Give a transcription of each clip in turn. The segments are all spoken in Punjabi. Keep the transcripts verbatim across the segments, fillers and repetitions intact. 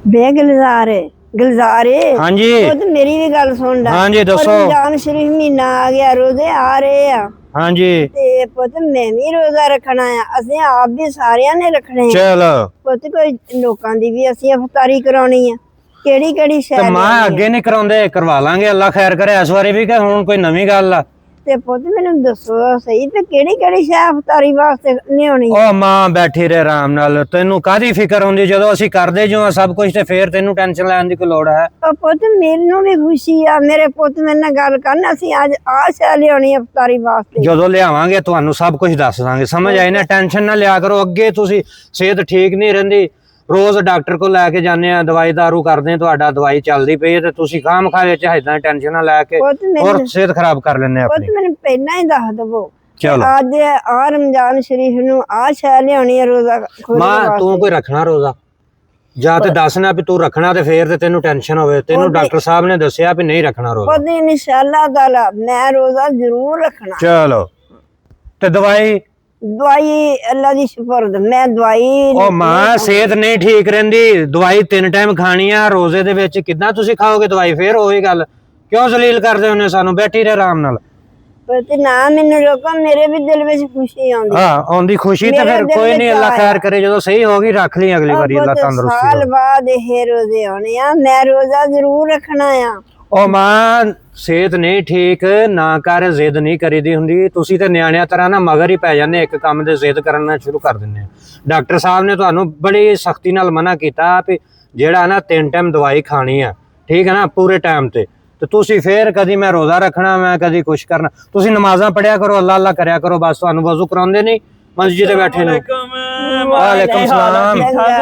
ਬੇ ਗੁਲਜ਼ਾਰੇ ਗੁਲਜ਼ਾਰੇ हाँ जी ਉਹ ਤੇ ਮੇਰੀ ਵੀ ਗੱਲ ਸੁਣ ਲੈ। हाँ जी दसो ਰਮਜ਼ਾਨ ਸ਼ਰੀਫ ਮਹੀਨਾ ਆ ਗਿਆ, ਰੋਜ਼ੇ ਆ ਰਹੇ ਆ हाँ जी ਤੇ ਪੁੱਤ ਮੈਂ ਵੀ ਰੋਜ਼ਾ ਰੱਖਣਾ ਆ। ਅਸੀਂ ਆਪ ਵੀ ਸਾਰਿਆਂ ਨੇ ਰੱਖਣੇ ਆ चलो ਪੁੱਤ। ਕੋਈ ਲੋਕਾਂ ਦੀ ਵੀ ਅਸੀਂ ਇਫਤਾਰੀ ਕਰਾਉਣੀ ਆ। ਕਿਹੜੀ ਕਿਹੜੀ ਤੇ ਸ਼ੈ ਮਾਂ ਅੱਗੇ ਨਹੀਂ ਕਰਾਉਂਦੇ, ਕਰਵਾ ਲਾਂਗੇ, ਅੱਲਾ ਖੈਰ ਕਰੇ। ਇਸ ਵਾਰੀ ਵੀ ਕਿ ਹੁਣ ਕੋਈ ਨਵੀਂ ਗੱਲ ਆ? ਤੇ ਪੁੱਤ ਮੈਨੂੰ ਦੱਸੋ ਸਹੀ ਤੇ ਕਿਹੜੀ ਕਿਹੜੀ ਸ਼ੈ ਇਫਤਾਰੀ ਵਾਸਤੇ ਲਿਆਉਣੀ? ਉਹ ਮਾਂ ਬੈਠੀ ਰਹੇ ਆਰਾਮ ਨਾਲ, ਤੈਨੂੰ ਕਾਹਦੀ ਫਿਕਰ ਹੁੰਦੀ ਜਦੋਂ ਅਸੀਂ ਕਰਦੇ ਜੋ ਆ ਸਭ ਕੁਝ, ਤੇ ਫੇਰ ਤੈਨੂੰ ਟੈਨਸ਼ਨ ਲੈਣ ਦੀ ਕੋਈ ਲੋੜ ਹੈ? ਉਹ ਪੁੱਤ ਮੈਨੂੰ ਵੀ ਖੁਸ਼ੀ ਆ, ਮੇਰੇ ਪੁੱਤ ਮੇਰੇ ਨਾਲ ਗੱਲ ਕਰਨ। ਅਸੀਂ ਅੱਜ ਆਹ ਸ਼ੈ ਲਿਆਉਣੀ ਇਫਤਾਰੀ ਵਾਸਤੇ। ਜਦੋਂ ਲਿਆਵਾਂਗੇ ਤੁਹਾਨੂੰ ਸਭ ਕੁਝ ਦੱਸ ਦਾਂਗੇ, ਸਮਝ ਆਈ ਨਾ? ਟੈਨਸ਼ਨ ਨਾ ਲਿਆ ਕਰੋ। ਅੱਗੇ ਤੁਸੀਂ ਸਿਹਤ ਠੀਕ ਨਹੀਂ ਰਹਿੰਦੀ, ਰੋਜ਼ ਡਾਕਟਰ ਕੋਲ ਲੈ ਕੇ ਜਾਂਦੇ ਆ, ਦਵਾਈ ਦਾਰੂ ਕਰਦੇ ਆ, ਤੁਹਾਡਾ ਦਵਾਈ ਚੱਲਦੀ ਪਈ ਹੈ ਤੇ ਤੁਸੀਂ ਖਾਮ ਖਾ ਵਿੱਚ ਇਦਾਂ ਟੈਨਸ਼ਨ ਨਾ ਲੈ ਕੇ ਪੁੱਤ ਹੋਰ ਮੈਨੂੰ ਸਿਹਤ ਖਰਾਬ ਕਰ ਲੈਂਦੇ ਆ ਪੁੱਤ ਆਪਣੀ। ਮੈਨੂੰ ਪਹਿਲਾਂ ਹੀ ਦੱਸ ਦਵੋ ਚਲੋ ਅੱਜ ਆ ਰਮਜ਼ਾਨ ਸ਼ਰੀਫ ਨੂੰ ਆ ਸ਼ੈ ਲਿਆਉਣੀ ਹੈ ਰੋਜ਼ਾ ਖੋਲ੍ਹਣ ਮਾਂ ਵਾਸਤੇ। ਤੂੰ ਕੋਈ ਰੱਖਣਾ ਰੋਜ਼ਾ? ਜਾਂ ਤੇ ਦੱਸਣਾ ਵੀ ਤੂੰ ਰੱਖਣਾ ਤੇ ਫੇਰ ਤੇ ਤੈਨੂੰ ਟੈਨਸ਼ਨ ਹੋਵੇ। ਤੈਨੂੰ ਡਾਕਟਰ ਸਾਹਿਬ ਨੇ ਦੱਸਿਆ ਵੀ ਨਹੀਂ ਰੱਖਣਾ ਰੋਜ਼ਾ। ਪੁੱਤ ਇਨਸ਼ਾਅੱਲਾ ਤਾਲਾ ਮੈਂ ਰੋਜ਼ਾ ਜ਼ਰੂਰ ਰੱਖਣਾ। ਚਲੋ ਤੇ ਦਵਾਈ? ਦਵਾਈ ਅੱਲਾ ਦੀ ਸ਼ੁਕਰ, ਮੈਂ ਦਵਾਈ ਉਹ ਮਾਂ ਸਿਹਤ ਨਹੀਂ ਠੀਕ ਰਹਿੰਦੀ, ਦਵਾਈ ਤਿੰਨ ਟਾਈਮ ਖਾਣੀ ਆ। ਰੋਜ਼ੇ ਦੇ ਵਿੱਚ ਕਿੱਦਾਂ ਤੁਸੀਂ ਖਾਓਗੇ ਦਵਾਈ? ਫੇਰ ਉਹੀ ਗੱਲ, ਕਿਉਂ ਜ਼ਲੀਲ ਕਰਦੇ ਹੁੰਦੇ ਸਾਨੂੰ? ਬੈਠੀ ਰਹੇ ਆਰਾਮ ਨਾਲ। ਪਰ ਨਾ ਮੈਨੂੰ ਰੋਕੋ, ਮੇਰੇ ਵੀ ਦਿਲ ਵਿੱਚ ਖੁਸ਼ੀ ਆਉਂਦੀ। ਹਾਂ ਆਉਂਦੀ ਖੁਸ਼ੀ ਤੇ ਫਿਰ ਕੋਈ ਨਹੀਂ, ਅੱਲਾ ਖੈਰ ਕਰੇ। ਜਦੋਂ ਸਹੀ ਹੋਗੀ ਰੱਖ ਲਈ, ਅਗਲੀ ਵਾਰੀ ਅੱਲਾ ਤੰਦਰੁਸਤੀ ਸਾਲ ਬਾਅਦ ਇਹ ਰੋਜ਼ੇ ਆਉਣੇ ਆ, ਮੈਂ ਰੋਜ਼ਾ ਜ਼ਰੂਰ ਰੱਖਣਾ ਆ। ਉਹ ਮਾਂ ਸਿਹਤ ਨਹੀਂ ਠੀਕ, ਨਾ ਕਰ, ਜ਼ਿੱਦ ਨਹੀਂ ਕਰੀਦੀ ਹੁੰਦੀ। ਤੁਸੀਂ ਤੇ ਨਿਆਣਿਆਂ ਤਰ੍ਹਾਂ ਨਾ ਮਗਰ ਹੀ ਪੈ ਜਾਂਦੇ, ਇੱਕ ਕੰਮ ਦੇ ਜ਼ਿੱਦ ਕਰਨਾ ਸ਼ੁਰੂ ਕਰ ਦਿੰਦੇ ਆ। ਡਾਕਟਰ ਸਾਹਿਬ ਨੇ ਤੁਹਾਨੂੰ ਬੜੀ ਸਖਤੀ ਨਾਲ ਮਨਾ ਕੀਤਾ ਵੀ ਜਿਹੜਾ ਨਾ ਤਿੰਨ ਟਾਈਮ ਦਵਾਈ ਖਾਣੀ ਆ, ਠੀਕ ਹੈ ਨਾ, ਪੂਰੇ ਟਾਈਮ ਤੇ। ਤੇ ਤੁਸੀਂ ਫੇਰ ਕਦੀ ਮੈਂ ਰੋਜ਼ਾ ਰੱਖਣਾ, ਮੈਂ ਕਦੀ ਕੁਛ ਕਰਨਾ। ਤੁਸੀਂ ਨਮਾਜ਼ਾਂ ਪੜਿਆ ਕਰੋ, ਅੱਲਾ ਅੱਲਾ ਕਰਿਆ ਕਰੋ ਬਸ। ਤੁਹਾਨੂੰ ਵਜ਼ੂ ਕਰਾਉਂਦੇ ਨਹੀਂ ਮਸਜਿਦ ਤੇ ਬੈਠੇ ਨੂੰ? ਵਾਲੇਕੁਮ ਸਲਾਮ।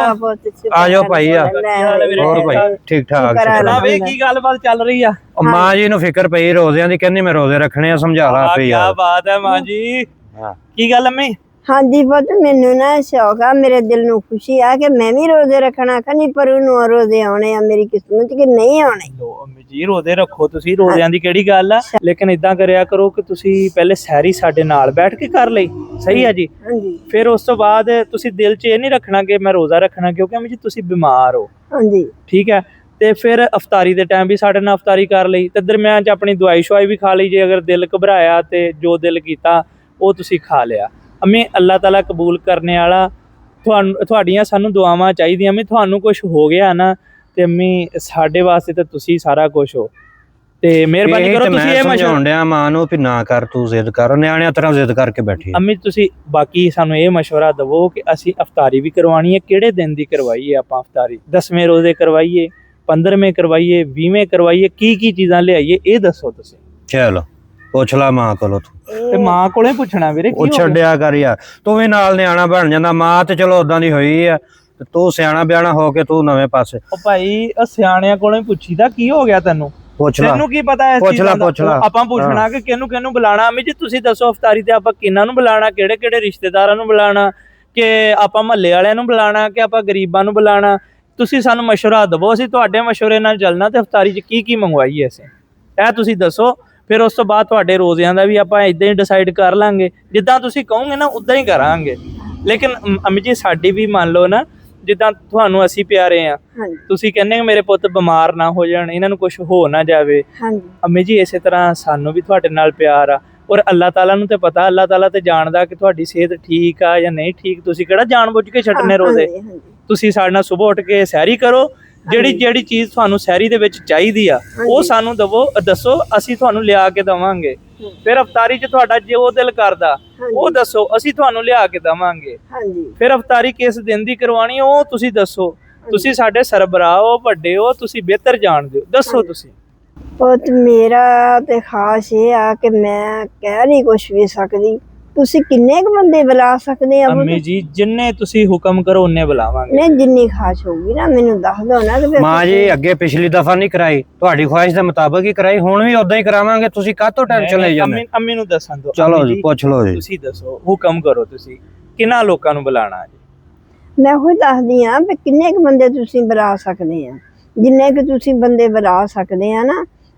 ਆ ਜਾਓ ਭਾਈ। ਆ ਹੋਰ ਭਾਈ ਠੀਕ ਠਾਕ? ਵੇ ਕੀ ਗੱਲਬਾਤ ਚੱਲ ਰਹੀ ਆ? ਮਾਂ ਜੀ ਨੂੰ ਫਿਕਰ ਪਈ ਰੋਜ਼ਿਆਂ ਦੀ, ਕਹਿੰਦੀ ਮੈਂ ਰੋਜ਼ੇ ਰੱਖਣੇ ਆ, ਸਮਝਾ ਲਾ ਆਪੇ ਯਾਰ। ਕੀ ਬਾਤ ਹੈ ਮਾਂ ਜੀ, ਕੀ ਗੱਲ ਅੰਮੀ? ਹਾਂਜੀ ਪੁੱਤ ਮੈਨੂੰ ਨਾ ਸ਼ੌਕ ਆ, ਮੇਰੇ ਦਿਲ ਨੂੰ ਖੁਸ਼ੀ ਆ ਕਿ ਮੈਂ ਵੀ ਰੋਜ਼ੇ ਰੱਖਣਾ। ਕਹਿੰਦੀ ਪਰ ਨੂੰ ਰੋਜ਼ੇ ਆਉਣੇ ਆ, ਮੇਰੀ ਕਿਸਮਤ ਕਿ ਨਹੀਂ ਆਉਣੇ। ਲੋ ਅੰਮੀ ਜੀ ਰੋਜ਼ੇ ਰੱਖੋ ਤੁਸੀਂ, ਰੋਜ਼ਿਆਂ ਦੀ ਕਿਹੜੀ ਗੱਲ ਆ। ਲੇਕਿਨ ਇਦਾਂ ਕਰਿਆ ਕਰੋ ਕਿ ਤੁਸੀਂ ਪਹਿਲੇ ਸਹਿਰੀ ਸਾਡੇ ਨਾਲ ਬੈਠ ਕੇ ਕਰ ਲਈ, ਸਹੀ ਆ ਜੀ? ਹਾਂਜੀ ਫਿਰ ਉਸ ਤੋਂ ਬਾਅਦ ਤੁਸੀਂ ਦਿਲ 'ਚ ਇਹ ਨਹੀਂ ਰੱਖਣਾ ਕਿ ਮੈਂ ਰੋਜ਼ਾ ਰੱਖਣਾ, ਕਿਉਂਕਿ ਅੰਮੀ ਜੀ ਤੁਸੀਂ ਬਿਮਾਰ ਹੋ, ਹਾਂਜੀ ਠੀਕ ਹੈ। ਤੇ ਫਿਰ ਅਫਤਾਰੀ ਦੇ ਟਾਈਮ ਵੀ ਸਾਡੇ ਨਾਲ ਅਫਤਾਰੀ ਕਰ ਲਈ, ਤੇ ਦਰਮਿਆਨ 'ਚ ਆਪਣੀ ਦਵਾਈ ਸ਼ਵਾਈ ਵੀ ਖਾ ਲਈ। ਜੇ ਅਗਰ ਦਿਲ ਘਬਰਾਇਆ ਤੇ ਜੋ ਦਿਲ ਕੀਤਾ ਉਹ ਤੁਸੀਂ ਖਾ ਲਿਆ। ਅੰਮੀ ਅੱਲਾਹ ਤਾਲਾ ਕਬੂਲ ਕਰਨੇ ਵਾਲਾ, ਤੁਹਾਨੂੰ ਤੁਹਾਡੀਆਂ ਸਾਨੂੰ ਦੁਆਵਾਂ ਚਾਹੀਦੀਆਂ। ਅੰਮੀ ਤੁਹਾਨੂੰ ਕੁਝ ਹੋ ਗਿਆ ਨਾ ਤੇ ਅੰਮੀ ਸਾਡੇ ਵਾਸਤੇ ਤਾਂ ਤੁਸੀਂ ਸਾਰਾ ਕੁਝ ਹੋ, ਤੇ ਮਿਹਰਬਾਨੀ ਕਰੋ ਤੁਸੀਂ ਇਹ ਸਮਝਾਉਣ ਡਿਆ ਮਾਂ ਨੂੰ ਵੀ ਨਾ ਕਰ, ਤੂੰ ਜ਼ਿੱਦ ਕਰ, ਨਿਆਣਿਆਂ ਤਰ੍ਹਾਂ ਜ਼ਿੱਦ ਕਰਕੇ ਬੈਠੀ। ਅੰਮੀ ਤੁਸੀਂ ਬਾਕੀ ਸਾਨੂੰ ਇਹ ਮਸ਼ਵਰਾ ਦਵੋ ਕਿ ਅਸੀਂ ਅਫਤਾਰੀ ਵੀ ਕਰਵਾਉਣੀ ਹੈ, ਕਿਹੜੇ ਦਿਨ ਦੀ ਕਰਵਾਈਏ ਆਪਾਂ ਅਫਤਾਰੀ? ਦਸਵੇਂ ਰੋਜ਼ੇ ਕਰਵਾਈਏ, ਪੰਦਰਵੇਂ ਕਰਵਾਈਏ, ਵੀਹਵੇਂ ਕਰਵਾਈਏ, ਕੀ ਕੀ ਚੀਜ਼ਾਂ ਲਿਆਈਏ ਇਹ ਦੱਸੋ ਤੁਸੀਂ। ਚਲੋ ਪੁੱਛ ਲਾ ਮਾਂ ਕੋਲੋਂ ਤੂੰ। ਤੇ ਮਾਂ ਕੋਲੇ ਪੁੱਛਣਾ ਵੀਰੇ, ਉਹ ਛੱਡਿਆ ਕਰ ਯਾਰ, ਤੂੰ ਵੀ ਨਾਲ ਨਿਆਣਾ ਬਣ ਜਾਂਦਾ। ਮਾਂ ਤੇ ਚਲੋ ਉਦਾਂ ਦੀ ਹੋਈ ਆ, ਤੇ ਤੂੰ ਸਿਆਣਾ ਬਿਆਣਾ ਹੋ ਕੇ ਤੂੰ ਨਵੇਂ ਪਾਸੇ। ਉਹ ਭਾਈ ਸਿਆਣਿਆਂ ਕੋਲੋਂ ਪੁੱਛੀਦਾ ਕੀ ਹੋ ਗਿਆ ਤੈਨੂੰ? ਪੁੱਛ ਲਾ, ਤੈਨੂੰ ਕੀ ਪਤਾ ਇਸ ਪੁੱਛ ਲਾ, ਚੀਜ਼ ਦਾ? ਪੁੱਛ ਲਾ। ਆਪਾਂ ਪੁੱਛਣਾ ਕਿ ਕਿਹਨੂੰ ਕਿਹਨੂੰ ਬੁਲਾਣਾ। ਅੰਮੀ ਜੀ ਤੁਸੀਂ ਦੱਸੋ ਅਫਤਾਰੀ ਤੇ ਆਪਾਂ ਕਿਹਨਾਂ ਨੂੰ ਬੁਲਾਣਾ, ਕਿਹੜੇ ਕਿਹੜੇ ਰਿਸ਼ਤੇਦਾਰਾਂ ਨੂੰ ਬੁਲਾਣਾ, ਕਿ ਆਪਾਂ ਮਹੱਲੇ ਵਾਲਿਆਂ ਨੂੰ ਬੁਲਾਣਾ, ਕਿ ਆਪਾਂ ਗਰੀਬਾਂ ਨੂੰ ਬੁਲਾਣਾ? ਤੁਸੀਂ ਸਾਨੂੰ ਮਸ਼ਵਰਾ ਦਵੋ, ਅਸੀਂ ਤੁਹਾਡੇ ਮਸ਼ਵਰੇ ਨਾਲ ਚੱਲਣਾ ਤੇ ਅਫਤਾਰੀ 'ਚ ਕੀ ਕੀ ਮੰਗਵਾਈਏ ਅਸੀਂ, ਇਹ ਤੁਸੀਂ ਦੱਸੋ। ਫਿਰ ਉਸ ਤੋਂ ਬਾਅਦ ਤੁਹਾਡੇ ਰੋਜ਼ਿਆਂ ਦਾ ਵੀ ਆਪਾਂ ਇਦਾਂ ਹੀ ਡਿਸਾਈਡ ਕਰ ਲਾਂਗੇ, ਜਿੱਦਾਂ ਤੁਸੀਂ ਕਹੋਗੇ ਨਾ ਉਦਾਂ ਹੀ ਕਰਾਂਗੇ। ਲੇਕਿਨ ਅੰਮੀ ਜੀ ਸਾਡੀ ਵੀ ਮੰਨ ਲਓ ਨਾ, ਜਿੱਦਾਂ ਤੁਹਾਨੂੰ ਅਸੀਂ ਪਿਆਰੇ ਆ, ਤੁਸੀਂ ਕਹਿੰਦੇ ਮੇਰੇ ਪੁੱਤ ਬਿਮਾਰ ਨਾ ਹੋ ਜਾਣ, ਇਹਨਾਂ ਨੂੰ ਕੁਝ ਹੋ ਨਾ ਜਾਵੇ। ਅੰਮੀ ਜੀ ਇਸੇ ਤਰ੍ਹਾਂ ਸਾਨੂੰ ਵੀ ਤੁਹਾਡੇ ਨਾਲ ਪਿਆਰ ਆ, ਔਰ ਅੱਲਾਹ ਤਾਲਾ ਨੂੰ ਤੇ ਪਤਾ, ਅੱਲਾਹ ਤਾਲਾ ਤੇ ਜਾਣਦਾ ਕਿ ਤੁਹਾਡੀ ਸਿਹਤ ਠੀਕ ਆ ਜਾਂ ਨਹੀਂ ਠੀਕ। ਤੁਸੀਂ ਕਿਹੜਾ ਜਾਣ ਬੁੱਝ ਕੇ ਛੱਡਨੇ ਰੋਜ਼ੇ? ਤੁਸੀਂ ਸਾਡੇ ਨਾਲ ਸੁਬਹ ਉੱਠ ਕੇ ਸੈਰੀ ਕਰੋ, ਜਿਹੜੀ ਜਿਹੜੀ ਚੀਜ਼ ਤੁਹਾਨੂੰ ਸਹਿਰੀ ਦੇ ਵਿੱਚ ਚਾਹੀਦੀ ਆ ਉਹ ਸਾਨੂੰ ਦਵੋ, ਦੱਸੋ, ਅਸੀਂ ਤੁਹਾਨੂੰ ਲਿਆ ਕੇ ਦਵਾਂਗੇ। ਫਿਰ ਅਫਤਾਰੀ 'ਚ ਤੁਹਾਡਾ ਜੋ ਦਿਲ ਕਰਦਾ ਉਹ ਦੱਸੋ, ਅਸੀਂ ਤੁਹਾਨੂੰ ਲਿਆ ਕੇ ਦਵਾਂਗੇ। ਫਿਰ ਅਫਤਾਰੀ ਕਿਸ ਦਿਨ ਦੀ ਕਰਵਾਉਣੀ ਉਹ ਤੁਸੀਂ ਦੱਸੋ। ਤੁਸੀਂ ਸਾਡੇ ਸਰਬਰਾਹ ਹੋ, ਵੱਡੇ ਹੋ, ਤੁਸੀਂ ਬਿਹਤਰ ਜਾਣਦੇ ਹੋ, ਦੱਸੋ ਤੁਸੀਂ। ਪੁੱਤ ਮੇਰਾ ਤੇ ਖਾਸ ਇਹ ਆ ਕਿ ਮੈਂ ਕਹਿ ਨਹੀਂ ਕੁਛ ਵੀ ਸਕਦੀ। ਤੁਸੀਂ ਕਿੰਨੇ ਕੁ ਬੰਦੇ ਬੁਲਾ ਸਕਦੇ ਆ? ਅੰਮੀ ਜੀ ਜਿੰਨੇ ਤੁਸੀਂ ਹੁਕਮ ਕਰੋ ਉਹਨੇ ਬੁਲਾਵਾਂਗੇ। ਨਹੀਂ ਜਿੰਨੀ ਖਾਸ ਹੋਊਗੀ ਨਾ ਮੈਨੂੰ ਦੱਸ ਦਿਓ ਨਾ। ਤੇ ਮਾਂ ਜੀ ਅੱਗੇ ਪਿਛਲੀ ਦਫਾ ਨਹੀਂ ਕਰਾਈ, ਤੁਹਾਡੀ ਖੁਆਇਸ਼ ਦੇ ਮੁਤਾਬਕ ਹੀ ਕਰਾਈ, ਹੁਣ ਵੀ ਉਦਾਂ ਹੀ ਕਰਾਵਾਂਗੇ। ਤੁਸੀਂ ਕਾਹਤੋਂ ਟੈਨਸ਼ਨ ਲਈ ਜਾਂਦੇ? ਅੰਮੀ ਨੂੰ ਦੱਸਾਂ ਦੋ। ਚਲੋ ਜੀ ਪੁੱਛ ਲਓ ਜੀ, ਤੁਸੀਂ ਦੱਸੋ, ਹੁਕਮ ਕਰੋ, ਤੁਸੀਂ ਕਿੰਨਾ ਲੋਕਾਂ ਨੂੰ ਬੁਲਾਣਾ ਜੀ? ਮੈਂ ਉਹ ਦੱਸਦੀ ਆ ਵੀ ਕਿੰਨੇ ਕੁ ਬੰਦੇ ਤੁਸੀਂ ਬੁਲਾ ਸਕਦੇ ਆ। ਜਿੰਨੇ ਕੁ ਤੁਸੀਂ ਬੰਦੇ ਬੁਲਾ ਸਕਦੇ ਆ ਨਾ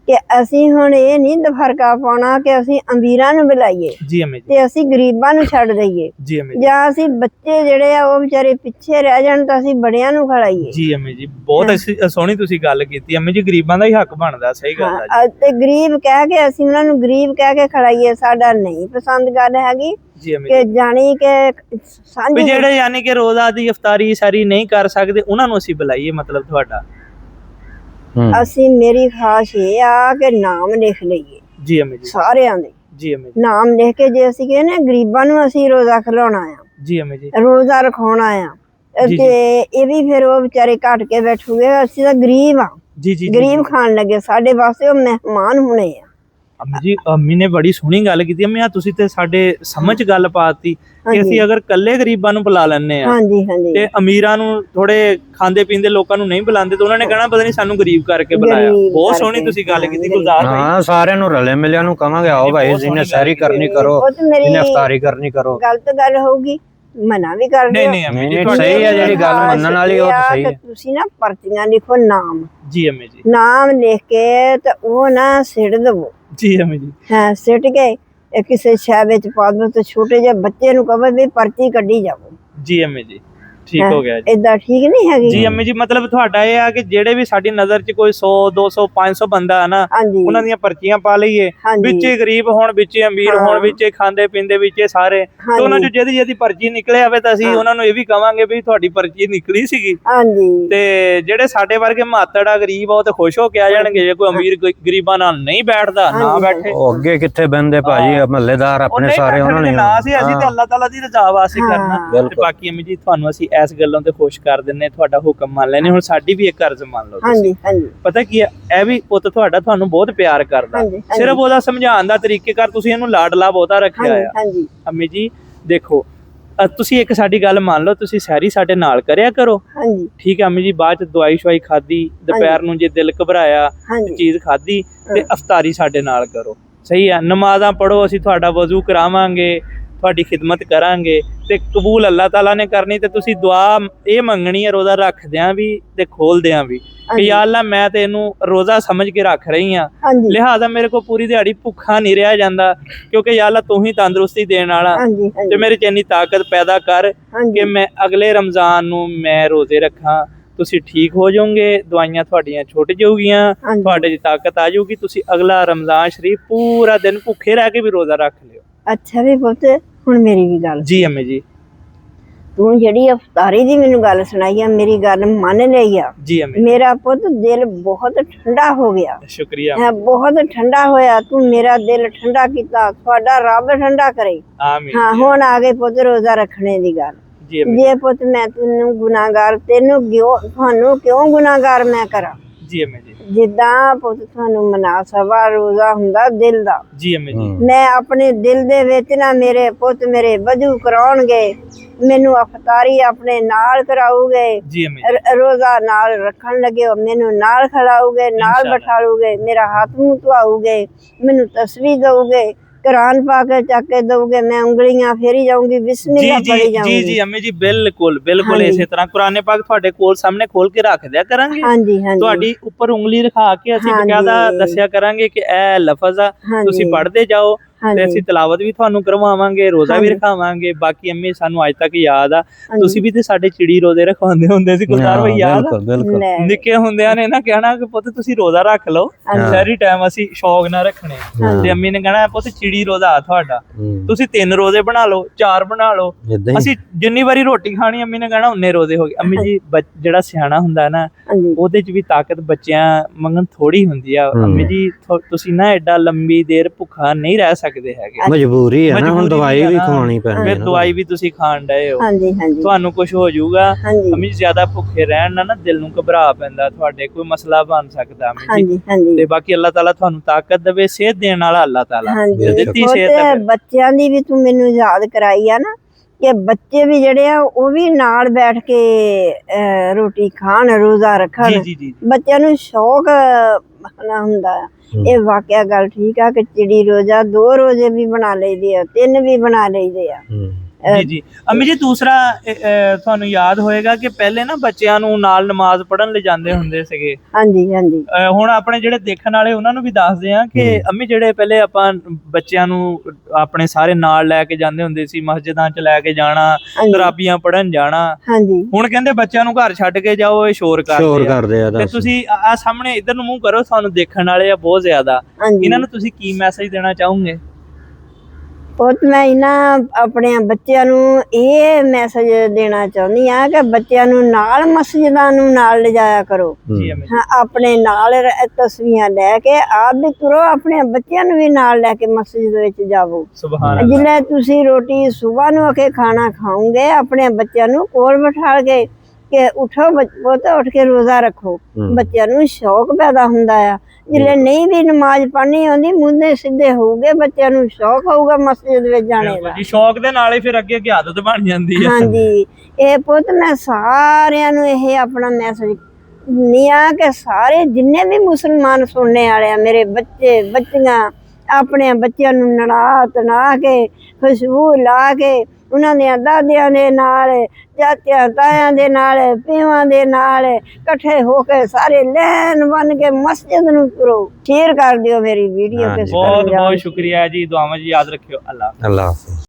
ਕਿ ਅਸੀਂ ਹੁਣ ਇਹ ਨਹੀਂ ਦਫਰਕਾ ਪਾਉਣਾ ਕਿ ਅਸੀਂ ਅਮੀਰਾਂ ਨੂੰ ਬੁਲਾਈਏ ਜੀ ਅੰਮੀ ਜੀ ਤੇ ਅਸੀਂ ਗਰੀਬਾਂ ਨੂੰ ਛੱਡ ਦਈਏ, ਜੀ ਅੰਮੀ ਜੀ ਜਾਂ ਅਸੀਂ ਬੱਚੇ ਜਿਹੜੇ ਆ ਉਹ ਵਿਚਾਰੇ ਪਿੱਛੇ ਰਹਿ ਜਾਣ ਤਾਂ ਅਸੀਂ ਬੜਿਆਂ ਨੂੰ ਖੜਾਈਏ। ਜੀ ਅੰਮੀ ਜੀ ਬਹੁਤ ਅੱਛੀ ਸੋਹਣੀ ਤੁਸੀਂ ਗੱਲ ਕੀਤੀ ਅੰਮੀ ਜੀ, ਗਰੀਬਾਂ ਦਾ ਹੀ ਹੱਕ ਬਣਦਾ, ਸਹੀ ਗੱਲ ਹੈ ਹਾਂ, ਤੇ ਗਰੀਬ ਕਹਿ ਕੇ ਅਸੀਂ ਉਹਨਾਂ ਨੂੰ ਗਰੀਬ ਕਹਿ ਕੇ ਖੜਾਈਏ, ਸਾਡਾ ਨਹੀਂ ਪਸੰਦ ਗੱਲ ਹੈਗੀ ਜੀ ਅੰਮੀ ਕਿ ਜੀ। ਜਾਣੀ ਕਿ ਵੀ ਸਾਂਝੀ ਜਿਹੜੇ ਯਾਨੀ ਕਿ ਰੋਜ਼ਾ ਦੀ ਇਫਤਾਰੀ ਸਾਰੀ ਨਹੀਂ ਕਰ ਸਕਦੇ ਉਹਨਾਂ ਨੂੰ ਅਸੀਂ ਬੁਲਾਈਏ, ਮਤਲਬ ਤੁਹਾਡਾ। ਅਸੀਂ ਮੇਰੀ ਖਾਸ਼ ਇਹ ਆ ਕਿ ਨਾਮ ਲਿਖ ਲਈਏ ਜੀ ਅੰਮੀ ਜੀ ਸਾਰਿਆਂ ਦੇ, ਜੀ ਅੰਮੀ ਜੀ ਨਾਮ ਲਿਖ ਕੇ ਜੇ ਅਸੀਂ ਕਹਿੰਦੇ ਗਰੀਬਾਂ ਨੂੰ ਅਸੀਂ ਰੋਜ਼ਾ ਖਿਲਾਉਣਾ ਆ, ਜੀ ਅੰਮੀ ਜੀ ਰੋਜ਼ਾ ਰਖਾਉਣਾ ਆ, ਜੀ, ਤੇ ਇਹ ਵੀ ਫਿਰ ਉਹ ਵਿਚਾਰੇ ਘਟ ਕੇ ਬੈਠੂਗੇ, ਅਸੀਂ ਤਾਂ ਗਰੀਬ ਆ, ਜੀ ਜੀ ਗਰੀਬ ਖਾਣ ਲੱਗੇ, ਸਾਡੇ ਵਾਸਤੇ ਉਹ ਮਹਿਮਾਨ ਹੋਣੇ ਆ। ਅੰਮੀ ਜੀ ਅੰਮੀ ਨੇ ਬੜੀ ਸੋਹਣੀ ਗੱਲ ਕੀਤੀ ਅੰਮੀ, ਆ ਤੁਸੀਂ ਤੇ ਸਾਡੇ ਸਮਝ ਗੱਲ ਪਾਤੀ ਕਿ ਹਾਂਜੀ। ਅਸੀਂ ਅਗਰ ਕੱਲੇ ਗਰੀਬਾਂ ਨੂੰ ਬੁਲਾ ਲੈਣੇ ਆ ਹਾਂਜੀ ਹਾਂਜੀ ਤੇ ਅਮੀਰਾਂ ਨੂੰ ਥੋੜੇ ਖਾਂਦੇ ਪੀਂਦੇ ਲੋਕਾਂ ਨੂੰ ਨਹੀਂ ਬੁਲਾਉਂਦੇ ਤੇ ਉਹਨਾਂ ਨੇ ਕਹਿਣਾ ਪਤਾ ਨਹੀਂ ਸਾਨੂੰ ਗਰੀਬ ਕਰਕੇ ਬੁਲਾਇਆ। ਗਰੀਬ ਬਹੁਤ ਸੋਹਣੀ ਕਰਕੇ, ਤੁਸੀਂ ਗੱਲ ਹਾਂ, ਕੀਤੀ ਗਰੀਬ। ਗੁਲਜ਼ਾਰ ਭਾਈ। ਹਾਂ ਸਾਰਿਆਂ ਨੂੰ ਰਲੇ ਮਿਲਿਆ ਨੂੰ ਕਵਾਂਗੇ ਆਓ ਭਾਈ ਜਿਹਨੇ ਸਹਿਰੀ ਕਰਨੀ ਕਰੋ, ਉਹ ਤੇ ਮੇਰੀ ਜਿਹਨੇ ਇਫਤਾਰੀ ਕਰਨੀ ਕਰੋ। ਗਲਤ ਗੱਲ ਹੋਊਗੀ, ਮਨਾ ਵੀ ਕਰਦੇ ਨਹੀਂ ਹੋ। ਨਹੀਂ ਅੰਮੀ ਜੀ ਨਹੀਂ, ਤੁਹਾਡੀ ਸਹੀ ਹੈ ਜਿਹੜੀ ਗੱਲ ਮੰਨਣ ਵਾਲੀ ਉਹ ਤਾਂ ਇਹ ਆ ਸਹੀ ਕਿ ਹੈ। ਤੁਸੀਂ ਨਾ ਪਰਚੀਆਂ ਲਿਖੋ, ਨਾਮ ਜੀ ਅੰਮੀ ਜੀ ਨਾਮ ਲਿਖ ਕੇ ਤੇ ਉਹ ਨਾ ਸਿੱਟ ਦਵੋ। ਜੀ ਅੰਮੀ ਜੀ ਹਾਂ, ਸਿੱਟ ਕੇ ਇਹ ਕਿਸੇ ਸ਼ੈ ਵਿੱਚ ਪਾ ਦੋ ਤੇ ਛੋਟੇ ਜਿਹੇ ਬੱਚੇ ਨੂੰ ਕਹੋ ਵੀ ਪਰਚੀ ਕੱਢੀ ਜਾਵੋ। ਜੀ ਅੰਮੀ ਜੀ ਠੀਕ ਹੋ ਗਿਆ ਜੀ। ਏਦਾਂ ਠੀਕ ਨਹੀਂ ਹੈਗੀ। ਜੀ ਅੰਮੀ ਜੀ ਮਤਲਬ ਤੁਹਾਡਾ ਇਹ ਆ ਕਿ ਜਿਹੜੇ ਵੀ ਸਾਡੀ ਨਜ਼ਰ 'ਚ ਕੋਈ ਸੌ ਦੋ ਸੌ ਪੰਜ ਸੌ ਬੰਦਾ ਹੈ ਨਾ, ਹਾਂਜੀ ਉਹਨਾਂ ਦੀਆਂ ਪਰਚੀਆਂ ਪਾ ਲਈਏ, ਹਾਂਜੀ। ਵਿੱਚੇ ਗਰੀਬ ਹੋਣ ਵਿੱਚੇ ਅਮੀਰ ਹੋਣ, ਵਿੱਚੇ ਖਾਂਦੇ ਪੀਂਦੇ ਵਿੱਚੇ ਸਾਰੇ, ਤੇ ਉਹਨਾਂ 'ਚ ਜਿਹਦੀ ਜਿਹਦੀ ਪਰਚੀ ਨਿਕਲੇ ਆਵੇ ਤਾਂ ਅਸੀਂ ਉਹਨਾਂ ਨੂੰ ਇਹ ਵੀ ਕਵਾਂਗੇ ਵੀ ਤੁਹਾਡੀ ਪਰਚੀ ਨਿਕਲੀ ਸੀਗੀ। ਹਾਂਜੀ ਤੇ ਜਿਹੜੇ ਸਾਡੇ ਵਰਗੇ ਮਾਤੜ ਆ ਗਰੀਬ ਆ ਉਹ ਤੇ ਖੁਸ਼ ਹੋ ਕੇ ਆ ਜਾਣਗੇ, ਜੇ ਕੋਈ ਅਮੀਰ ਕੋਈ ਗਰੀਬਾਂ ਨਾਲ ਨਹੀਂ ਬੈਠਦਾ ਨਾ ਬੈਠੇ। ਉਹ ਅੱਗੇ ਕਿੱਥੇ ਬੰਦੇ ਭਾਜੀ, ਮਹੱਲੇਦਾਰ ਉਹ ਆਪਣੇ ਨਹੀਂ ਸਾਰੇ ਉਹਨਾਂ ਨੇ ਨਾ ਸੀ, ਅਸੀਂ ਤੇ ਅੱਲਾਹ ਤਾਲਾ ਦੀ ਰਜ਼ਾ ਵਾਸਤੇ ਕਰਨਾ। ਤੇ ਬਿਲਕੁਲ। ਬਾਕੀ ਅੰਮੀ ਜੀ ਤੁਹਾਨੂੰ ਅਸੀਂ ਇਸ ਗੱਲੋਂ ਤੇ ਖੁਸ਼ ਕਰ ਦਿੰਨੇ, ਤੁਹਾਡਾ ਹੁਕਮ ਮੰਨ ਲੈਨੇ। ਹੁਣ ਸਾਡੀ ਵੀ ਇੱਕ ਅਰਜ਼ ਮੰਨ ਲਓ ਤੁਸੀਂ। ਹਾਂਜੀ ਹਾਂਜੀ ਪਤਾ ਕੀ ਹੈ, ਇਹ ਵੀ ਪੁੱਤ ਤੁਹਾਡਾ ਤੁਹਾਨੂੰ ਬਹੁਤ ਪਿਆਰ ਕਰਦਾ, ਹਾਂਜੀ, ਹਾਂਜੀ। ਸਿਰਫ ਉਹਦਾ ਸਮਝਾਉਣ ਦਾ ਤਰੀਕੇਕਾਰ ਤੁਸੀਂ ਇਹਨੂੰ ਲਾਡਲਾ ਬਹੁਤਾ ਰੱਖਿਆ ਹਾਂਜੀ ਆ। ਹਾਂਜੀ ਅੰਮੀ ਜੀ ਦੇਖੋ, ਅ, ਤੁਸੀਂ ਇੱਕ ਸਾਡੀ ਗੱਲ ਮੰਨ ਲਓ, ਤੁਸੀਂ ਸਹਿਰੀ ਸਾਡੇ ਨਾਲ ਕਰਿਆ ਕਰੋ, ਹਾਂਜੀ ਠੀਕ ਹੈ ਅੰਮੀ ਜੀ। ਬਾਅਦ ਚ ਦਵਾਈ ਸ਼ਵਾਈ ਖਾਦੀ, ਦੁਪਹਿਰ ਨੂੰ ਜੇ ਦਿਲ ਘਬਰਾਇਆ ਹਾਂਜੀ ਚੀਜ਼ ਖਾਦੀ ਤੇ ਅਫਤਾਰੀ ਸਾਡੇ ਨਾਲ ਕਰੋ, ਸਹੀ ਆ। ਨਮਾਜ਼ਾਂ ਪੜੋ, ਅਸੀਂ ਤੁਹਾਡਾ ਵਜ਼ੂ ਕਰਾਵਾਂਗੇ, ਤੁਹਾਡੀ ਖਿਦਮਤ ਕਰਾਂਗੇ ਤੇ ਕਬੂਲ ਅੱਲਾਹ ਤਾਲਾ ਨੇ ਕਰਨੀ। ਤੇ ਤੁਸੀਂ ਦੁਆ ਇਹ ਮੰਗਣੀ ਹੈ ਰੋਜ਼ਾ ਰੱਖਦਿਆਂ ਵੀ ਤੇ ਖੋਲਦਿਆਂ ਵੀ ਕਿ ਯਾ ਅੱਲਾ ਮੈਂ ਤੇ ਇਹਨੂੰ ਰੋਜ਼ਾ ਸਮਝ ਕੇ ਰੱਖ ਰਹੀ ਹਾਂ, ਹਾਂਜੀ ਲਿਹਾਜ਼ਾ ਮੇਰੇ ਕੋ ਪੂਰੀ ਦਿਹਾੜੀ ਭੁੱਖਾ ਨਹੀਂ ਰਿਹਾ ਜਾਂਦਾ, ਕਿਉਂਕਿ ਯਾ ਅੱਲਾ ਤੂੰ ਹੀ ਤੰਦਰੁਸਤੀ ਦੇਣ ਵਾਲਾ, ਹਾਂਜੀ ਤੇ ਮੇਰੇ ਚ ਇੰਨੀ ਤਾਕਤ ਪੈਦਾ ਕਰ ਹਾਂਜੀ ਕਿ ਮੈਂ ਅਗਲੇ ਰਮਜ਼ਾਨ ਨੂੰ ਮੈਂ ਰੋਜ਼ੇ ਰੱਖਾਂ। ਤੁਸੀਂ ਠੀਕ ਹੋ ਜਾਓਗੇ, ਦਵਾਈਆਂ ਤੁਹਾਡੀਆਂ ਛੁੱਟ ਜਾਊਗੀਆਂ, ਹਾਂਜੀ। ਤੁਹਾਡੇ ਚ ਤਾਕਤ ਆ ਜਾਊਗੀ, ਤੁਸੀਂ ਅਗਲਾ ਰਮਜ਼ਾਨ ਸ਼ਰੀਫ ਪੂਰਾ ਦਿਨ ਭੁੱਖੇ ਰਹਿ ਕੇ ਵੀ ਰੋਜ਼ਾ ਰੱਖ ਲਿਓ। ਅੱਛਾ ਵੀ ਪੁੱਤ, ਹੁਣ ਮੇਰੀ ਵੀ ਗੱਲ, ਜੀ ਅੰਮੀ ਜੀ ਤੂੰ ਜਿਹੜੀ ਅਫਤਾਰੀ ਦੀ ਮੈਨੂੰ ਗੱਲ ਸੁਣਾਈ ਆ, ਮੇਰੀ ਗੱਲ ਮੰਨ ਲਈ ਆ। ਜੀ ਅੰਮੀ ਮੇਰਾ ਪੁੱਤ ਦਿਲ ਬਹੁਤ ਠੰਡਾ ਹੋ ਗਿਆ, ਸ਼ੁਕਰੀਆ ਹੈ ਬਹੁਤ ਠੰਡਾ ਹੋਇਆ। ਤੂੰ ਮੇਰਾ ਦਿਲ ਠੰਡਾ ਕੀਤਾ, ਤੁਹਾਡਾ ਰੱਬ ਠੰਡਾ ਕਰੇ। ਆਮੀਨ। ਹਾਂ, ਹੁਣ ਆ ਗਏ ਪੁੱਤ ਰੋਜ਼ਾ ਰੱਖਣੇ ਦੀ ਗੱਲ। ਜੀ ਅੰਮੀ ਜੇ ਪੁੱਤ ਮੈਂ ਤੈਨੂੰ ਗੁਨਾਹਗਾਰ, ਤੈਨੂੰ ਕਿਉਂ, ਤੁਹਾਨੂੰ ਕਿਉਂ ਗੁਨਾਹਗਾਰ ਮੈਂ ਕਰਾਂ? ਜੀ ਅੰਮੀ ਜੀ ਜਿੱਦਾਂ ਪੁੱਤ ਤੁਹਾਨੂੰ ਮਨਾਸਬਾ ਰੋਜ਼ਾ ਹੁੰਦਾ ਦਿਲ ਦਾ, ਜੀ ਅੰਮੀ ਜੀ ਮੈਂ ਆਪਣੇ ਦਿਲ ਦੇ ਵਿੱਚ ਨਾ, ਮੇਰੇ ਪੁੱਤ ਮੇਰੇ ਵਜੂ ਕਰਾਉਣਗੇ, ਮੈਨੂੰ ਅਫਤਾਰੀ ਆਪਣੇ ਨਾਲ ਕਰਾਉਗੇ, ਜੀ ਅੰਮੀ ਰ- ਰੋਜ਼ਾ ਨਾਲ ਰੱਖਣ ਲੱਗੇ ਹੋ, ਮੈਨੂੰ ਨਾਲ ਖਿਲਾਉਗੇ, ਨਾਲ ਇੰਸ਼ਾਅੱਲਾ। ਬਿਠਾਉਗੇ, ਮੇਰਾ ਹੱਥ ਮੂੰਹ ਧਵਾਉਗੇ, ਮੈਨੂੰ ਤਸਬੀਹ ਦਊਗੇ, ਕੁਰਾਨ ਪਾ ਕੇ ਚੱਕ ਕੇ ਦਊਗੇ, ਮੈਂ ਉਂਗਲੀਆਂ ਫੇਰੀ ਜਾਊਂਗੀ, ਜੀ ਬਿਸਮਿਲ੍ਲਾ ਜੀ ਪੜੀ ਜੀ ਜਾਊਂਗੀ। ਜੀ ਅੰਮੀ ਜੀ ਬਿਲਕੁਲ ਬਿਲਕੁਲ ਹਾਂਜੀ। ਇਸੇ ਤਰ੍ਹਾਂ ਕੁਰਾਨੇ ਪਾਕ ਤੁਹਾਡੇ ਕੋਲ ਸਾਹਮਣੇ ਖੋਲ ਕੇ ਰੱਖ ਦਿਆ ਕਰਾਂਗੇ, ਹਾਂਜੀ ਹਾਂਜੀ ਤੁਹਾਡੀ ਉੱਪਰ ਉਂਗਲੀ ਰਖਾ ਕੇ ਅਸੀਂ ਹਾਂਜੀ। ਬਕਾਇਦਾ ਦੱਸਿਆ ਕਰਾਂਗੇ ਕਿ ਇਹ ਲਫ਼ਜ਼ ਆ, ਹਾਂਜੀ। ਤੁਸੀਂ ਪੜ੍ਹਦੇ ਜਾਓ ਤੇ ਹਾਂਜੀ। ਅਸੀਂ ਤਿਲਾਵਤ ਵੀ ਤੁਹਾਨੂੰ ਕਰਵਾਵਾਂਗੇ, ਰੋਜ਼ਾ ਵੀ ਹਾਂਜੀ। ਰਖਾਵਾਂਗੇ। ਬਾਕੀ ਅੰਮੀ ਸਾਨੂੰ ਅੱਜ ਤੱਕ ਯਾਦ ਆ, ਹਾਂਜੀ। ਤੁਸੀਂ ਵੀ ਤੇ ਸਾਡੇ ਚਿੜੀ ਰੋਜ਼ੇ ਰਖਵਾਉਂਦੇ ਹੁੰਦੇ ਸੀ ਗੁਲਜ਼ਾਰ ਭਾਈ, ਯਾਦ ਆ? ਬਿਲਕੁਲ ਬਿਲਕੁਲ ਲੈ। ਨਿੱਕੇ ਹੁੰਦਿਆਂ ਨੇ ਨਾ ਕਹਿਣਾ ਕਿ ਪੁੱਤ ਤੁਸੀਂ ਰੋਜ਼ਾ ਰੱਖ ਲਓ, ਹਾਂਜੀ। ਸਾਰੀ ਟਾਈਮ ਅਸੀਂ ਸ਼ੌਕ ਨਾਲ ਰੱਖਣੇ, ਤੇ ਅੰਮੀ ਨੇ ਕਹਿਣਾ ਪੁੱਤ ਚਿੜੀ ਰੋਜ਼ਾ ਆ ਤੁਹਾਡਾ, ਹੂੰ। ਤੁਸੀਂ ਤਿੰਨ ਰੋਜ਼ੇ ਬਣਾ ਲਓ, ਚਾਰ ਬਣਾ ਲਓ, ਏਦਾਂ ਹੀ। ਅਸੀਂ ਜਿੰਨੀ ਵਾਰੀ ਰੋਟੀ ਖਾਣੀ ਅੰਮੀ ਨੇ ਕਹਿਣਾ ਉਨੇ ਰੋਜ਼ੇ ਹੋ ਗਏ। ਅੰਮੀ ਜੀ ਬੱਚ- ਜਿਹੜਾ ਸਿਆਣਾ ਹੁੰਦਾ ਨਾ, ਹਾਂਜੀ ਉਹਦੇ ਚ ਵੀ ਤਾਕਤ ਬੱਚਿਆਂ ਮੰਗਣ ਥੋੜੀ ਹੁੰਦੀ ਆ। ਹੂੰ। ਅੰਮੀ ਜੀ ਥੋ- ਤੁਸੀਂ ਨਾ ਐਡਾ ਲੰਬੀ ਦੇਰ ਭੁੱਖਾ ਨਹੀਂ ਰਹਿ ਸਕਦੇ ਹੈਗੇ, ਮਜਬੂਰੀ ਹੈ ਨਾ, ਹੁਣ ਮਜਬੂਰੀ ਦਵਾਈ ਵੀ ਵੀ ਆ ਨਾ। ਖਵਾਉਣੀ ਪੈਣੀ ਫਿਰ ਹੈ ਨਾ। ਦਵਾਈ ਵੀ ਤੁਸੀਂ ਖਾਣ ਡਏ ਹੋ, ਹਾਂਜੀ ਹਾਂਜੀ ਤੁਹਾਨੂੰ ਕੁਝ ਹੋ ਜਾਊਗਾ। ਹਾਂਜੀ ਅੰਮੀ ਜੀ ਜ਼ਿਆਦਾ ਭੁੱਖੇ ਰਹਿਣ ਨਾਲ ਨਾ ਦਿਲ ਨੂੰ ਘਬਰਾ ਪੈਂਦਾ, ਤੁਹਾਡੇ ਕੋਈ ਮਸਲਾ ਬਣ ਸਕਦਾ ਅੰਮੀ ਜੀ। ਹਾਂਜੀ ਹਾਂਜੀ ਤੇ ਬਾਕੀ ਅੱਲਾਹ ਤਾਲਾ ਤੁਹਾਨੂੰ ਤਾਕਤ ਦੇਵੇ, ਸਿਹਤ ਦੇਣ ਵਾਲਾ ਅੱਲਾਹ ਤਾਲਾ, ਹਾਂਜੀ ਦਿੱਤੀ ਪੁੱਤ, ਸਿਹਤ ਹੈ ਫਿਰ। ਬੱਚਿਆਂ ਦੀ ਵੀ ਤੂੰ ਮੈਨੂੰ ਯਾਦ ਕਰਾਈ ਆ ਨਾ, ਕਿ ਬੱਚੇ ਵੀ ਜਿਹੜੇ ਆ ਉਹ ਵੀ ਨਾਲ ਬੈਠ ਕੇ ਅਹ, ਰੋਟੀ ਖਾਣ, ਰੋਜ਼ਾ ਰੱਖਣ। ਜੀ ਜੀ ਜੀ ਬੱਚਿਆਂ ਨੂੰ ਸ਼ੌਕ ਨਾ ਹੁੰਦਾ ਆ। ਹੂੰ। ਇਹ ਵਾਕਿਆ ਗੱਲ ਠੀਕ ਆ ਕਿ ਚਿੜੀ ਰੋਜ਼ਾ ਦੋ ਰੋਜ਼ੇ ਵੀ ਬਣਾ ਲਈਦੇ ਆ, ਤਿੰਨ ਵੀ ਬਣਾ ਲਈਦੇ ਆ। ਹੂੰ। ਜੀ ਜੀ ਅੰਮੀ ਜੀ ਦੂਸਰਾ ਅ, ਅ, ਤੁਹਾਨੂੰ ਯਾਦ ਹੋਏਗਾ ਕਿ ਪਹਿਲੇ ਨਾ ਬੱਚਿਆਂ ਨੂੰ ਨਾਲ ਨਮਾਜ਼ ਪੜ੍ਹਨ ਲੈ ਜਾਂਦੇ ਹੁੰਦੇ ਸੀਗੇ। ਹਾਂਜੀ ਹਾਂਜੀ ਅ, ਹੁਣ ਆਪਣੇ ਜਿਹੜੇ ਦੇਖਣ ਵਾਲੇ ਉਹਨਾਂ ਨੂੰ ਵੀ ਦੱਸਦੇ ਆ ਕਿ ਅੰਮੀ ਜਿਹੜੇ ਪਹਿਲੇ ਆਪਾਂ ਬੱਚਿਆਂ ਨੂੰ ਆਪਣੇ ਸਾਰੇ ਨਾਲ ਲੈ ਕੇ ਜਾਂਦੇ ਹੁੰਦੇ ਸੀ, ਮਸਜਿਦਾਂ 'ਚ ਲੈ ਕੇ ਜਾਣਾ, ਹਾਂਜੀ ਤਰਾਬੀਆਂ ਪੜ੍ਹਨ ਜਾਣਾ। ਹਾਂਜੀ ਹੁਣ ਕਹਿੰਦੇ ਬੱਚਿਆਂ ਨੂੰ ਘਰ ਛੱਡ ਕੇ ਜਾਓ, ਇਹ ਸ਼ੋਰ ਸ਼ੋਰ ਕਰਦੇ ਆ। ਕਰਦੇ ਆ ਤੇ ਦੱਸ। ਤੁਸੀਂ ਆ ਸਾਹਮਣੇ ਇਧਰ ਨੂੰ ਮੂੰਹ ਕਰੋ, ਤੁਹਾਨੂੰ ਦੇਖਣ ਵਾਲੇ ਆ ਬਹੁਤ ਜ਼ਿਆਦਾ, ਹਾਂਜੀ ਇਹਨਾਂ ਨੂੰ ਤੁਸੀਂ ਕੀ ਮੈਸੇਜ ਦੇਣਾ ਚਾਹੋਗੇ? ਪੁੱਤ ਮੈਂ ਇਹਨਾਂ ਆਪਣੇ ਬੱਚਿਆਂ ਨੂੰ ਇਹ ਮੈਸੇਜ ਦੇਣਾ ਚਾਹੁੰਦੀ ਆ ਕਿ ਬੱਚਿਆਂ ਨੂੰ ਨਾਲ ਮਸਜਿਦਾਂ ਨੂੰ ਨਾਲ ਲਿਜਾਇਆ ਕਰੋ। ਜੀ ਅੰਮੀ ਹਾਂ ਆਪਣੇ ਨਾਲ ਰ- ਤਸਵੀਰਾਂ ਲੈ ਕੇ ਆਪ ਵੀ ਤੁਰੋ, ਆਪਣੇ ਬੱਚਿਆਂ ਨੂੰ ਵੀ ਨਾਲ ਲੈ ਕੇ ਮਸਜਿਦ ਵਿੱਚ ਜਾਵੋ। ਸੁਭਾਨ ਅੱਲਾਹ। ਜਿਵੇਂ ਤੁਸੀਂ ਰੋਟੀ ਸੁਬਾਹ ਨੂੰ ਆ ਕੇ ਖਾਣਾ ਖਾਓਗੇ, ਆਪਣੇ ਬੱਚਿਆਂ ਨੂੰ ਕੋਲ ਬਿਠਾ ਕੇ ਕਿ ਉਠੋ ਪੁੱਤ ਉੱਠ ਕੇ ਰੋਜ਼ਾ ਰੱਖੋ। ਬੱਚਿਆਂ ਨੂੰ ਸ਼ੌਕ ਪੈਦਾ ਹੁੰਦਾ ਆ। ਜਿਲੇ ਨਹੀਂ ਵੀ ਨਮਾਜ਼ ਪੜ੍ਹਨੀ ਆਉਂਦੀ, ਮੁੰਡੇ ਸਿੱਧੇ ਹੋਊਗੇ, ਬੱਚਿਆਂ ਨੂੰ ਸ਼ੌਕ ਹੋਊਗਾ ਮਸਜਿਦ ਵਿੱਚ ਜਾਣੇ ਦਾ। ਜੀ ਸ਼ੌਕ ਦੇ ਨਾਲ ਹੀ ਫਿਰ ਅੱਗੇ ਅੱਗੇ ਆਦਤ ਬਣ ਜਾਂਦੀ ਹੈ। ਹਾਂਜੀ ਇਹ ਪੁੱਤ ਮੈਂ ਸਾਰਿਆਂ ਨੂੰ ਇਹ ਆਪਣਾ ਮੈਸੇਜ ਨਹੀਂ ਆ ਕਿ ਸਾਰੇ ਜਿੰਨੇ ਵੀ ਮੁਸਲਮਾਨ ਸੁਣਨੇ ਵਾਲੇ ਆ, ਮੇਰੇ ਬੱਚੇ ਬੱਚੀਆਂ, ਆਪਣੇ ਬੱਚਿਆਂ ਨੂੰ ਨੜਾ ਤਣਾ ਕੇ ਖੁਸ਼ਬੂ ਲਾ ਕੇ ਉਹਨਾਂ ਦੇ ਦਾਦਿਆਂ ਦੇ ਨਾਲ, ਚਾਚਿਆਂ ਤਾਇਆਂ ਦੇ ਨਾਲ, ਪਿਓਾਂ ਦੇ ਨਾਲ ਇਕੱਠੇ ਹੋ ਕੇ ਸਾਰੇ ਲੈਣ ਬਣ ਕੇ ਮਸਜਿਦ ਨੂੰ ਤੁਰੋ। ਸ਼ੇਅਰ ਕਰ ਦਿਓ ਮੇਰੀ ਵੀਡੀਓ। ਹਾਂਜੀ। ਬਹੁਤ ਬਹੁਤ ਸ਼ੁਕਰੀਆ ਜੀ, ਦੁਆਵਾਂ ਜੀ ਯਾਦ ਰੱਖਿਓ। ਅੱਲਾਹ ਅੱਲਾਹ ਹਾਫਿਜ਼।